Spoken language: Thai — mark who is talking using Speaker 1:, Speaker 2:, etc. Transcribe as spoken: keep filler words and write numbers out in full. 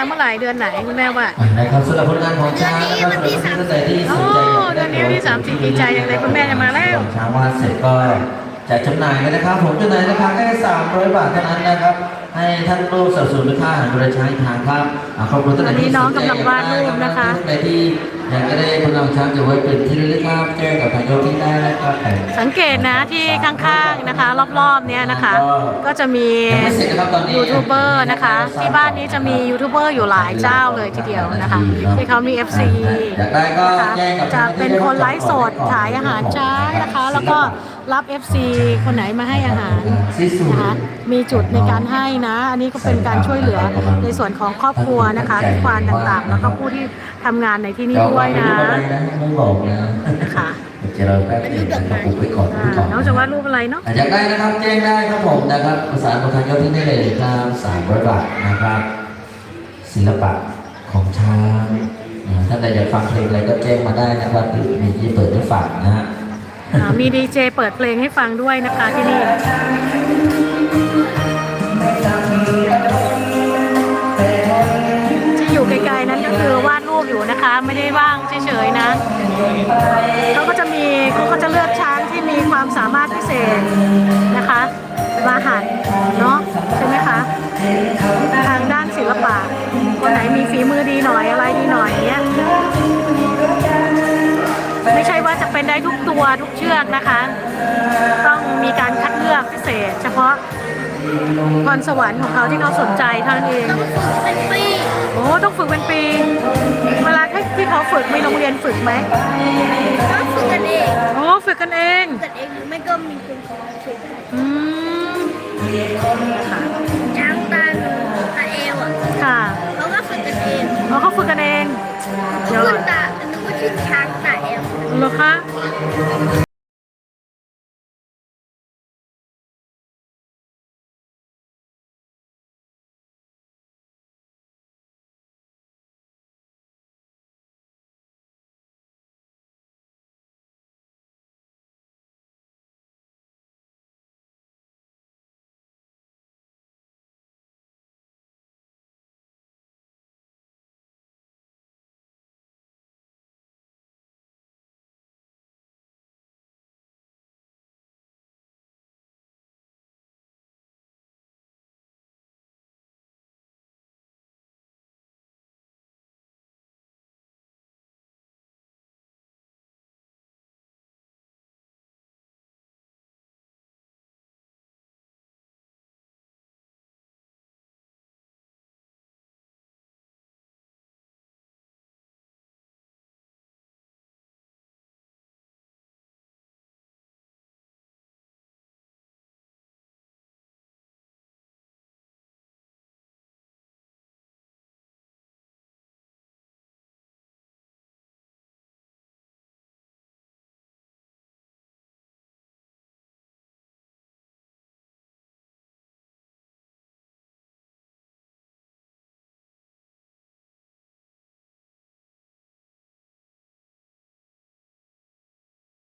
Speaker 1: เมื่อไหร่เดือนไหนคุณแม่ว่า
Speaker 2: นะครับสำหรับผลงานของช้างนะครับสำหรับท่านใดที่สนใจอยาก
Speaker 1: เดือนนี้วันที่สามสิบดีใจอย่างไรคุณแม่จะมาแล้ว
Speaker 2: ช้างวาดเสร็จก็จะจำหน่ายเลยนะครับผมจำหน่ายราคาแค่สามร้อยบาทเท่านั้นนะครับให้ท่านรูปสับสนค่าอาหารบริช้างทางครับขอบคุณท่านที่สนใจท่านใดที่อยากจะได้ผลงานช้างจะไว้เป็นที่ระลึกครับแจ้งกับทางโยกที่ได้นะครับ
Speaker 1: สังเกตนะที่ข้างๆนะคะรอบๆเนี้ยนะคะก็จะมียูทูบเบอร์นะคะที่บ้านนี้จะมียูทูบเบอร์อยู่หลายเจ้าเลยทีเดียวนะคะที่เขามี เอฟ ซี นะคะจะเป็นคนไลฟ์สดขายอาหารช้างนะคะแล้วก็รับ เอฟ ซี คนไหนมาให้อาหารนะคะมีจุดในการให้นะอันนี้ก็เป็นการช่วยเหลือในส่วนของครอบครัวนะคะทุกควานต่างๆแล้วก็ผู้ที่ทำงานในที่นี่ด้วยนะ
Speaker 2: ไม่บอกนะ
Speaker 1: ค่ะ
Speaker 2: จะเราแป๊บนึงนะครับผมไปก่อน
Speaker 1: น้องจะวาดรูปอะไรเนาะ
Speaker 2: อยากได้นะครับแจ้งได้ครับผมนะครับภาษาของทางยอดที่ได้เลยครับสามร้อยบาทนะครับศิลปะของช้างถ้าใครอยากฟังเพลงอะไรก็แจ้งมาได้นะครับมีที่เปิดให้ฟังนะฮะ
Speaker 1: มีดีเจเปิดเพลงให้ฟังด้วยนะคะที่นี่ที่อยู่ไกลๆนั้นก็คือวาดรูปอยู่นะคะไม่ได้ว่างเฉยๆนะเขาก็จะมีเขาก็จะเลือกช้างที่มีความสามารถพิเศษนะคะมาหันเนาะใช่ไหมคะทางด้านศิลปะคนไหนมีฝีมือดีหน่อยอะไรดีหน่อยเนี้ยไม่ใช่ว่าจะเป็นได้ทุกตัวทุกเชือกนะคะต้องมีการคัดเลือกพิเศษเฉพาะพรสวรรค์ของเขาที่เขาสนใจเท่านั้นเอง
Speaker 3: ต้องฝึกเป็นปี
Speaker 1: โอ้ต้องฝึกเป็นปีเวลาที่เขาฝึกมีโรงเรียนฝึกไหม
Speaker 3: ต้องฝึกกันเอง
Speaker 1: โอ้ฝึกกันเอง
Speaker 3: ฝึกกันเองหรือไม่ก็มีคุณครูฝึก
Speaker 1: อืมค่ะ
Speaker 3: ช้างตาหนูตาเอวอ่ะ
Speaker 1: ค่ะ
Speaker 3: เขาก็ฝึกกันเอง
Speaker 1: เขาเขาฝึกกันเอง
Speaker 3: เดี๋ยวตาหนูก็ชื่อช้างตาเอว
Speaker 1: เหรอคะ